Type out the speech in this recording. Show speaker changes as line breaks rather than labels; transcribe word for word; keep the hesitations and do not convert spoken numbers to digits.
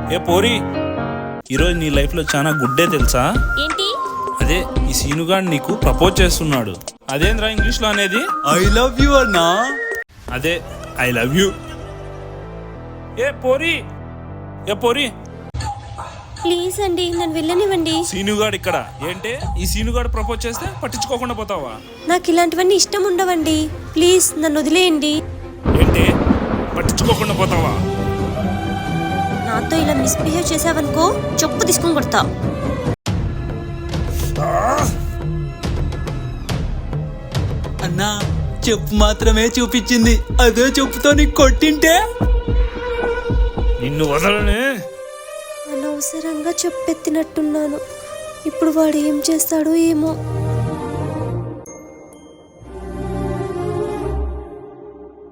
ఏ పోరి, ఈరోజు నీ లైఫ్ లో చాలా గుడ్డే తెలుసా?
ఏంటి?
అదే ఈ సీనుగాడు నీకు ప్రపోజ్ చేస్తున్నాడు. అదేంద్రా ఇంగ్లీష్ లో అనేది?
ఐ లవ్ యు అన్నా.
అదే ఐ లవ్ యూ. ఏ పోరి, ఏ పోరి,
ప్లీజ్ అండి నన్ను వెళ్ళనివ్వండి.
సీనుగాడు ఇక్కడ ఏంటే? ఈ సీనుగాడు ప్రపోజ్ చేస్తే పట్టించుకోకుండా పోతావా?
నాకు ఇలాంటివన్నీ ఇష్టం ఉండవండి. ప్లీజ్ నన్ను వదిలేయండి.
ఏంటే పట్టించుకోకుండా పోతావా?
నాతో ఇలా మిస్బిహేవ్ చేసావనుకో చెప్పు తీసుకొని కొడతా.
అన్నా చెప్పు మాత్రమే చూపించింది, అదే చెప్పుతో నీకు కొట్టింటే
నిన్ను వదలనే.
అనవసరంగా చెప్పెత్తినట్టున్నాను. ఇప్పుడు వాడు ఏం చేస్తాడో ఏమో.